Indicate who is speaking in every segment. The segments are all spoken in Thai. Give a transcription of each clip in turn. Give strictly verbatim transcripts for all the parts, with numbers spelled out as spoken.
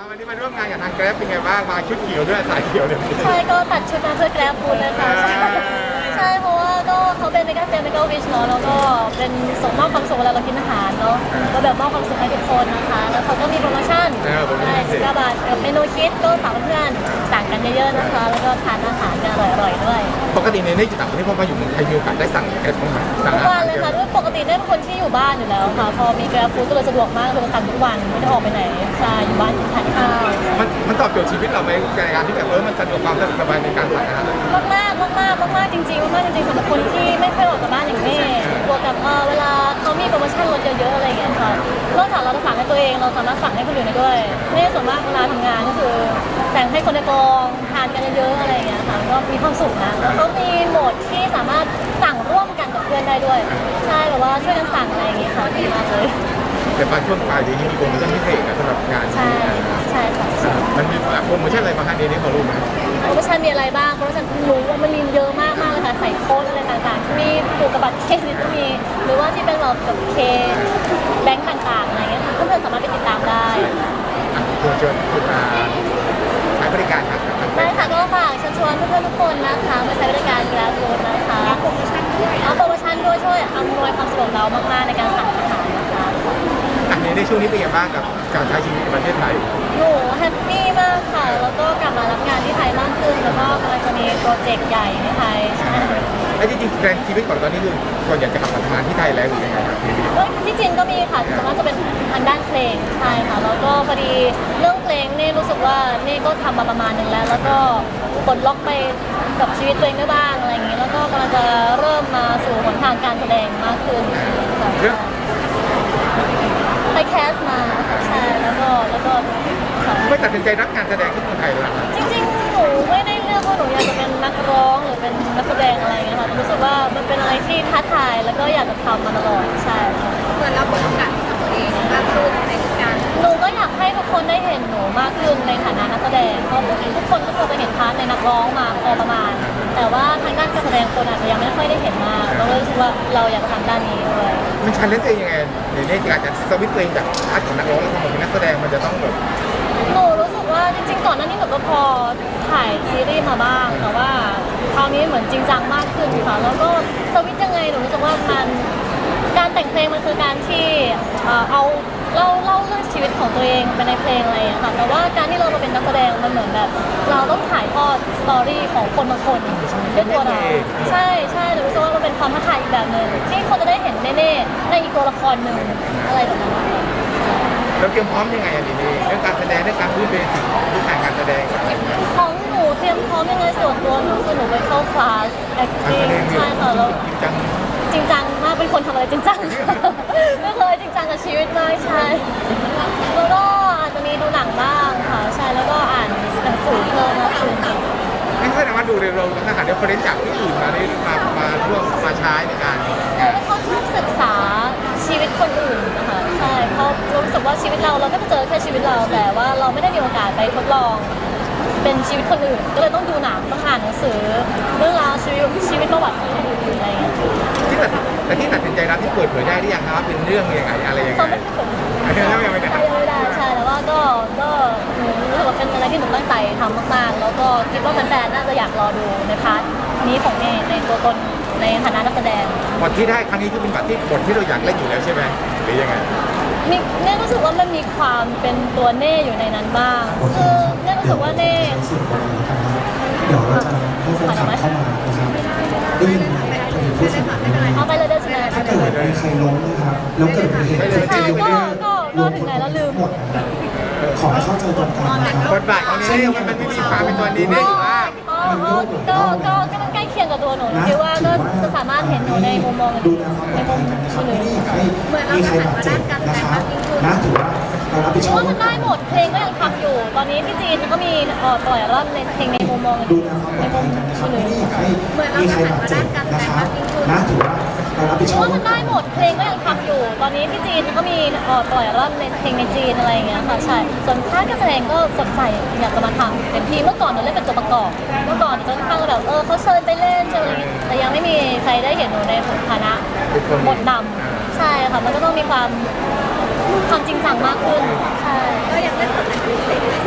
Speaker 1: วันนี้มาร่วมงานกับทางแกร็บเป็นไงบ้างมาชุดเขียวด้วยสายเขียวเลย
Speaker 2: ใช่ก็ตัดชุดมาเพื่อแกร็บฟูดเลยค่ะใช่เพราะว่าก็เขาเป็นเมกาเซลเมกาวิชเนาะแล้วก็เป็นส่งมอบความสุขเวลาเรากินอาหารเนาะก็แบบมอบความสุขให้ทุกคนนะคะแล้วเขาก็มีโปรโมชั่นใช่สิบเก้าบาทกับเมนูคิดก็ฝากเพื่อนๆสั่งกันเยอะๆนะคะแล้วก็ทานอาหารกันอร่อยๆด้วย
Speaker 1: ปกติในนี้จะต่างประเทศพอมาอยู่เมืองไทยมีโอกาสได้สั่งแกร็บบ้างไหม
Speaker 2: ทุกวันเลยค่ะด้วยปกติเนี่ยเป็นคนที่อยู่บ้านอยู่แล้วค่ะพอมีแกร็บฟูดก็เลยสะดวกมากเลยสั่งทุกวันไม่ได้ออกไปไหนใช่อยู่บ้านกินทานข้าว
Speaker 1: มันมันตอบโจทย์ชีวิตเราไหมในการที่แบบเออมันสะดวกความสบายในการสั่งอาหาร
Speaker 2: มากมากมากมากมากจริงๆมากจริงๆสำหรับคนที่ไม่เคยออกจากบ้านอย่างแม่บวกกับเวลาเขามีโปรโมชั่นลดเยอะๆอะไรอย่างเงี้ยค่ะนอกจากเราจะสั่งให้ตัวเองเราสามารถสั่งให้คนอื่นได้ด้วยนี่ส่วนมากเวลาทำงานก็คือสั่งให้คนในกองทานกันเยอะๆอะไรอย่างเงี้ยค่ะก็มีความสุขนะแล้วเขามีโหมดที่สามารถสั่งร่วมกันกับเพื่อนได้ด้วยใช่แบบว่าช่วยกันสั่งอะไรอย่างเงี้ยค่ะดีมากเลย
Speaker 1: แต่บางช่วงปลายเดือนนี้มีโปรโมชั่นพิเศษสำหรับงาน
Speaker 2: ใช่ใช่ค่ะ
Speaker 1: มันมีโปรโมชั่นอะไรบ้างคะเดือนนี้พอรู้ไหม
Speaker 2: โปรโมชั่นมีอะไรบ้างโปรโมชั่นรู้ว่ามันมีเยอะมากมากเลยค่ะใส่โค้ดอะไรต่างๆที่มีผูกกับบัตรเครดิตก็มีหรือว่าที่เป็นแบบกับเคแบงก์ต่างๆอะไรเงี้ยเพื่อนๆสามารถไปติดตามได้
Speaker 1: ควรชวนคุณมาใช้บริการครับ
Speaker 2: ได้ค่ะก็ฝากเชิญชวนเพื่อนๆทุกคนนะคะมาใช้บริการกีฬาฟูดนะคะโปรโมชั่นด้วยเอาโปรโมชั่นด้วยช่วยอำนวยความสะดวกเรามากๆในการสั่งอาหารนะคะ
Speaker 1: อันนี้ในช่วงนี้เป็นยังไงบ้างกับการใช้ชีวิตในประเทศไทย
Speaker 2: หนูแฮปปี้มากค่ะแล้วก็กลับมารับงานที่ไทยมากขึ้นแล้วก็กำลังจะมีโปรเจกต์ใหญ่ในไทยใช่
Speaker 1: แล้วจริงๆแกรนชีวิตก่อนตอนนี้คือก่อนอยากจะกลับมาทำงานที่ไทยแล้วหรือยังไงครับ
Speaker 2: ที่จริงก็มีค่ะส่วนมากจะเป็นทางด้านเพลงใช่ค่ะแล้วก็พอดีเรื่องเพลงนี่รู้สึกว่านี่ก็ทำมาประมาณหนึ่งแล้วแล้วก็ปลดล็อกไปกับชีวิตตัวเองได้บ้างอะไรอย่างนี้แล้วก็กำลังจะเริ่มมาสู่หนทางการแสดงมากขึ้นค่ะไปแคสมาใช่แล้วก็แล้วก็
Speaker 1: ไม่ตัดสินใจรับงานแสดงที่เมืองไทยเลย
Speaker 2: จริงๆหนูไม่ได้เลือกว่าหนูอยากจะเป็นนักร้องหรือเป็นนักแสดงอะไรอย่างเงี้ยค่ะรู้สึกว่ามันเป็นอะไรที่ท้าทายแล้วก็อยากจะทำมาตลอดใช่
Speaker 3: เหมือนเราเปิดโอกาสให้กับตัวเองมากขึ้นในการ
Speaker 2: หนูก็อยากให้ทุกคนได้เห็นหนูมากขึ้นในฐานะนักแสดงเพราะทุกคนก็ควรจะเห็นพาร์ทในนักร้องมาพอประมาณแต่ว่าทางด้านการแสดงคนอาจจะยังไม่ค่อยได้เห็นมากเราก็รู้สึกว่าเราอยากทำด้านนี้ด้วย
Speaker 1: มันชันเลนจ์เองยังไงในนี้ที่อาจจะสวิตช์ตัวเองจากพาร์ทของนักร้องแล้วมาเป็นนักแสดงมันจะต้องแบบ
Speaker 2: หนูรู้สึกว่าจริงๆก่อนหน้านี้หนูก็พอถ่ายซีรีส์มาบ้างแต่ว่าคราวนี้เหมือนจริงจังมากขึ้นค่ะแล้วก็สวิตช์ยังไงหนูรู้สึกว่ามันการแต่งเพลงมันคือการที่เอาเล่าเล่าเรื่องชีวิตของตัวเองไปในเพลงอะไรอย่างเงี้ยค่ะแต่ว่าการที่เรามาเป็นนักแสดงมันเหมือนแบบเราต้องถ่ายทอดสตอรี่ของคนบางคนด้วยตัวเราใช่ใช่หนูรู้สึกว่ามันเป็นความท้าทายอีกแบบหนึ่งที่คนจะได้เห็นแน่ๆในอีกตัวละครหนึ่งอะไรแบบนั้น
Speaker 1: เราเตรียมพร้อมยังไงอันนี้เรื่องการแสดงเรื่องการพูดเบสิกพื้นฐานการแสดง
Speaker 2: ของหนูเตรียมพร้อมยังไงส่วนตัวหนูคือหนูไปเข้าคลาส acting ใช่ค่ะแล้วจริงจังมากเป็นคนทำอะไรจริงจังไม่เคยจริงจังกับชีวิตมากใช่แล้วก็อาจจะมีดูหนังบ้างค่ะใช่แล้วก็อ่านหนังสือเพิ่มมากขึ้น
Speaker 1: ไม่ใช่นะว่าดูเร็วๆนะคะเดี๋ยวคนเล่นจากที่อื่นมาได้มามาร่วมมาใช้ในการ
Speaker 2: เขาชอบศึกษาชีวิตคนอื่นนะคะใช่เพราะรู้สึกว่าชีวิตเราเราก็จะเจอแค่ชีวิตเราแต่ว่าเราไม่ได้มีโอกาสไปทดลองเป็นชีวิตคนอื่นก็เลยต้องดูหนังต้องอ่านหนังสือเรื่องราวชีวิตชีวิตประวัติของคนอื่นอะไรอย่างเงี้ย
Speaker 1: ที่ตัดแต่ที่ตัดสินใจรับที่เปิดเผยได้หรือยังคะว่าเป็นเรื่องยังไงอะไรยังไง
Speaker 2: เขาไม่เปิดเผยยังไม่ได้ยังไม่ได้ใช่แต่ว่าก็ก็หนูรู้สึกว่าเป็นอะไรที่หนูตั้งใจทำมากๆแล้วก็คิดว่าแฟนๆน่าจะอยากรอดูในพาร์ทนี้ของเมย์ในตัวตนในฐานะนักแสดง
Speaker 1: บทที่ได้ครั้งนี้คือเป็นบทที่บทที่เราอยากเล่นอยู่แล้วใช่ไหมหรือยังไง
Speaker 2: มีเนี่ยรู้สึกว่ามันมีความเป็นตัวเน่อยู่ในนั้นบ้างคือเนี่ยรู้สึกว่าเน่
Speaker 4: เดี๋ยวเราจะให้แฟนคลับเข้ามานะครับได้ยินไหมพูดเสียง
Speaker 2: เอาไปเลยได้ใช่ไหม
Speaker 4: ถ้าเกิดมีใครล้มนะครับแล้วเกิดอุบัติเหตุ
Speaker 2: ใช่ก็ก็ก็ถึงไหนแล้วลืม
Speaker 4: หมดขอให้เข้าใจตรงกันนะครับ
Speaker 1: บทบาทของนี้มันไม่มีความเป็นตัวนี้ได้อยู่ว่า
Speaker 2: ก็ก็ก็มันใกล้เคียงกับตัวหนูคิดว่าก็จะสามารถเห็นหนูในมุมมอง
Speaker 4: ดูแลความปลอดภัยกันนะครับไม่อยากให้มีใครบาดเจ็บนะครับนะถือว่าเรารับผิดชอบ
Speaker 2: ว่ามันได้หมดเพลงก็ยังทำอยู่ตอนนี้ที่จีนก็มีปล่อยอัลบั้มในเพลงในมุมมอง
Speaker 4: ดูแลความปลอดภัยกันนะครับไม่อยากให้มีใครบาดเจ็บนะครับนะถือว่าเรารับผิดชอบ
Speaker 2: ว่ามันได้หมดเพลงก็ยังทำอยู่ตอนนี้ที่จีนก็มีปล่อยอัลบั้มในเพลงในจีนอะไรอย่างเงี้ยค่ะใช่ส่วนภาคการแสดงก็สดใสอยากจะมาทำเป็นทีเมื่อก่อนหนูเล่นเป็นตัวประกอบเมื่อก่อนจะค่อนข้างแบบเออเขาเชิญไปเล่นเชิญอะไรแต่ยังไม่มีใครได้เห็นหนูในฐานะบทนำใช่ค่ะมันก็ต้องมีความความจริงจังมากขึ้นใช่
Speaker 3: ก็ยังเล่นบทไหนพิเศษ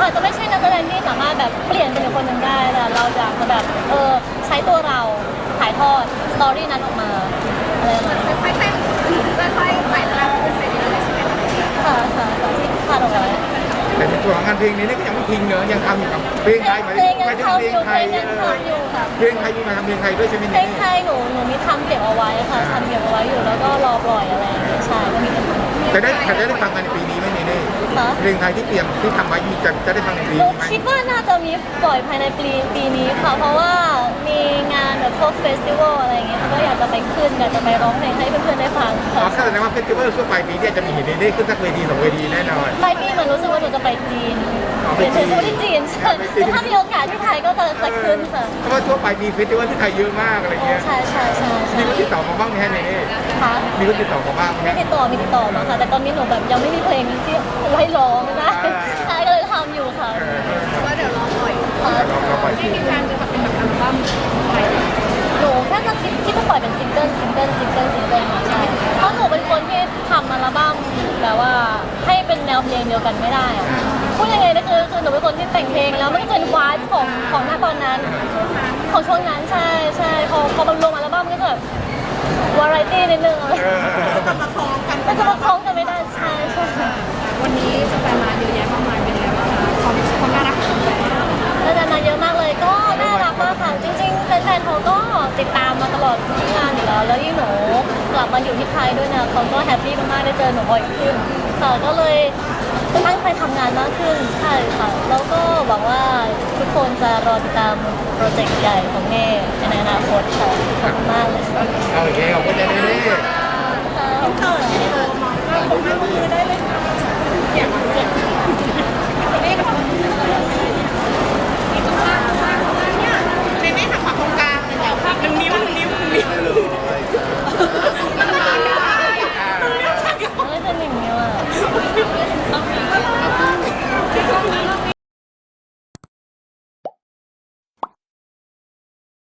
Speaker 2: อาจจะไม่ใช่นักแสดงที่สามารถแบบเปลี่ยนเป็นอีกคนหนึ่งได้แต่เราอยากจะแบบเออใช้ตัวเราถ่ายทอดสตอรี่นั้นออกมาอะไรประมาณนี้
Speaker 3: ค่อยๆแต่งค่อยๆไต่ระดับขึ้นไปเรื่อยๆใช่ไหมคะ
Speaker 2: ค่ะค่ะค่ะที่คาดเอาไว้
Speaker 1: แต่ในส่วนของงานเพลงนี้นี่ก็ยังไม่ทิ้งเนอะยังทำอยู่กับเพลง
Speaker 2: เพ
Speaker 1: ไท
Speaker 2: ล
Speaker 1: ย
Speaker 2: ง
Speaker 1: ไหม
Speaker 2: เพลงยัง
Speaker 1: ไม่ใช่
Speaker 2: ทำ
Speaker 1: เพล
Speaker 2: อง ยู่
Speaker 1: ไท
Speaker 2: เพล
Speaker 1: ย
Speaker 2: งยัง
Speaker 1: เออ
Speaker 2: ทำอยู่ค่ะ
Speaker 1: เพลงไทยมีมาทำเพลงไทยด้วยใช่ไหม
Speaker 2: เพล
Speaker 1: นี่
Speaker 2: งไทยหนูหนูมีทำเก็บเอาไว้ค่ะทำเก็บเอาไว้อยู่แล้วก็รอปล่อยอะไรอย่างเงี้ยใช่ก็มีกันทำ
Speaker 1: จะได้จะได้ฟังกันในปีนี้ไหมนี่นี่
Speaker 2: ค่ะ
Speaker 1: เพลงไทยที่เตรียมที่ทำไว้มีจะจะได้ฟังในปี
Speaker 2: หนู
Speaker 1: นี้ไหม
Speaker 2: คิดว่าน่าจะมีปล่อยภายในปีปีนี้ค่ะ เพราะว่ามีงานแบบพวกเฟสติวัลอะไรอย่างเงี้ยก็อยากจะไปขึ้นอยากจะไปร้องเพลงให้เพื่อนๆได้ฟัง
Speaker 1: อ๋อ
Speaker 2: ค่ะ
Speaker 1: แสดงว่าเฟสติวัลช่วงปลายปีเนี่ยจะมีเห็นนี่ได้ขึ้นสักเวทีสองเวทีแน่นอน
Speaker 2: ปลายปีเหมือนรู้สึกว่าหนูจะไปจีน
Speaker 1: อ๋อไป
Speaker 2: เดี๋ยว
Speaker 1: จีน
Speaker 2: จะไปที่จีนใช่
Speaker 1: ไปจีน
Speaker 2: แต่ถ้ามีโอกาสที่ไทยก็จะจะขึ้นค่ะ
Speaker 1: เพราะว่าช่วงปลายปีเฟสติวัลที่ไทยเยอะมากอะไรเงี้ย
Speaker 2: ใช่ใช่ใช่ใช่
Speaker 1: มีคนติดต่อมาบ้างไหมฮะนี่
Speaker 2: ค่ะ
Speaker 1: มีคนติดต่อมาบ้างไหม
Speaker 2: มี
Speaker 1: ฮะ
Speaker 2: ติดต่อมีติดต่อมาค่ะ แต่ตอนนี้หนูแบบยังไม่มีเพลงที่ให้ร้องไม่ได้
Speaker 1: อ่า
Speaker 2: ใช่ก็เลยทำอยู่ค่ะ
Speaker 1: เออเออ
Speaker 3: ก็เดี๋ยวรอปล่อย
Speaker 2: ค่ะ
Speaker 1: ลองลองปล่อย
Speaker 3: ไม่มีการจะทำเป็นแบบอัลบั้มไทย
Speaker 2: หนูแค่จะคิดที่จะปล่อยเป็นซิงเกิลซิงเกิลซิงเกิลซิงเกิลมาใช่เพราะหนูเป็นคนที่ทำอัลบั้มแบบว่าให้เป็นแนวเพลงเดียวกันไม่ได้อะพูดยังไงนะคือคือหนูเป็นคนที่แต่งเพลงแล้วมันก็เป็นวายของของหน้าตอนนั้นของช่วงนั้นใช่ใช่พอพอมันลงอัลบั้มมันก็จะแบบวาไรตี้นิดนึงอะไร
Speaker 1: เออ
Speaker 3: จะมาคล้องกัน
Speaker 2: มันจะมาคล้องกันไม่ได้ใช่ใช่
Speaker 3: วันนี้สแฟนมาเยอะแยะมากมายเป็นไงบ้างคะความความน่ารักของแฟน
Speaker 2: แล้วดานาเยอะมากเลยก็น่ารักมากค่ะจริงๆแฟนๆเขาก็ติดตามมาตลอดทุกงานอยู่แล้วแล้วยิ่งหนูกลับมาอยู่ที่ไทยด้วยนะเขาก็แฮปปี้มากๆได้เจอหนูบ่อยขึ้นค่ะก็เลยตั้งใจทำงานมากขึ้นใช่ค่ะแล้วก็หวังว่าทุกคนจะรอติดตามโปรเจกต์ใหญ่ของเน่ในอนาคตค่ะขอบคุณมากเลยค่ะ
Speaker 1: โอเคขอบคุณเจเน่
Speaker 2: ค่ะ
Speaker 3: เออมองก็คงไม่มือได้